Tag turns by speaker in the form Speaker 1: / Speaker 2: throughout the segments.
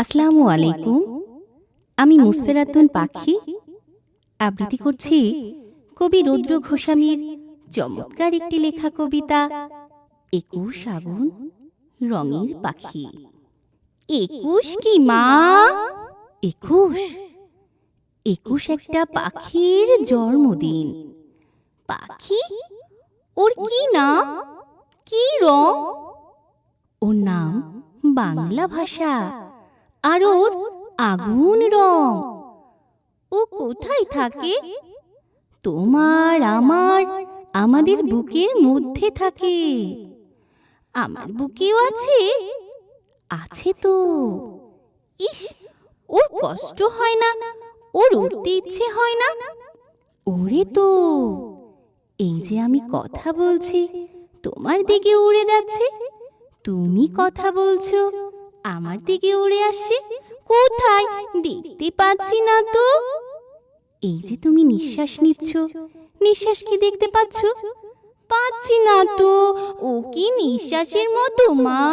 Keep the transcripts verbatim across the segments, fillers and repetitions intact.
Speaker 1: আসসালামু আলাইকুম। আমি মুসফেরাতুন পাখি আবৃত্তি করছি কবি রুদ্র গোস্বামীর চমৎকার একটি লেখা কবিতা একুশ আগুন রঙের পাখি। একুশ কি মা? একুশ একুশ একটা পাখির জন্মদিন। পাখি? ওর কি নাম, কি রং? ওর নাম বাংলা ভাষা, আর ওর আগুন রং। ও কোথায় থাকে? তোমার আমার আমাদের বুকের মধ্যে থাকে। আমার বুকেও আছে, আছে তো। ইস, ওর কষ্ট হয় না, ওর উঠতে ইচ্ছে হয় না। ওরে তো, এই যে আমি কথা বলছি তোমার দিকে উড়ে যাচ্ছে, তুমি কথা বলছো আমার দিকে উড়ে আসছে। কোথায় দেখতে পাচ্ছি না তো। এই যে তুমি নিঃশ্বাস নিচ্ছ, নিঃশ্বাস কি দেখতে পাচ্ছ? পাচ্ছি না তো। ও কি নিঃশ্বাসের মতো মা?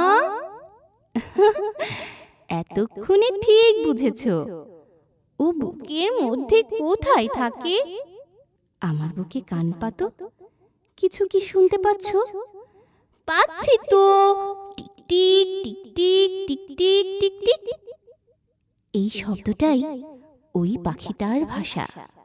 Speaker 1: এতক্ষণে ঠিক বুঝেছ। ও বুকের মধ্যে কোথায় থাকে? আমার বুকে কান পাতো, কিছু কি শুনতে পাচ্ছ? পাচ্ছি তো। Tick tick tick tick tick tick tick. এই শব্দটাই ওই পাখিটার ভাষা।